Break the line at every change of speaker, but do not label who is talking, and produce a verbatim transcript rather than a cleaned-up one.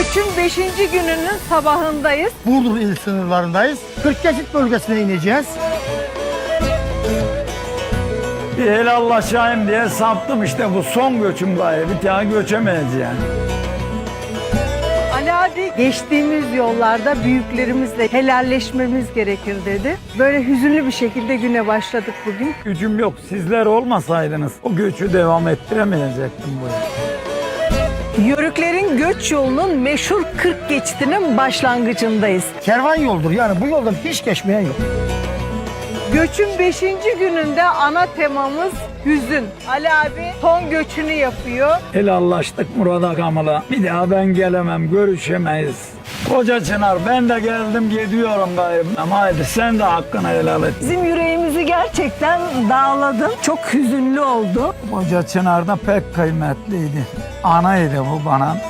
Göçün beşinci gününün sabahındayız.
Burdur il sınırlarındayız. kırk geçit bölgesine ineceğiz.
Bir helallaşayım diye saptım, işte bu son göçüm gayrı. Bir daha göçemeyiz yani.
Ali abi geçtiğimiz yollarda büyüklerimizle helalleşmemiz gerekir dedi. Böyle hüzünlü bir şekilde güne başladık bugün.
Gücüm yok. Sizler olmasaydınız o göçü devam ettiremeyecektim buraya.
Yörüklerin göç yolunun meşhur kırk geçitinin başlangıcındayız.
Kervan yoldur, yani bu yoldan hiç geçmeyen yok.
Göçün beşinci gününde ana temamız hüzün. Ali abi son göçünü yapıyor.
Helallaştık Murat Akam'la. Bir daha ben gelemem, görüşemeyiz. Koca Çınar, ben de geldim gidiyorum gayrı. Ama haydi sen de hakkını helal et.
Bizim yüreğimizi gerçekten dağladın. Çok hüzünlü oldu.
Koca Çınar da pek kıymetliydi. Anaydı bu bana.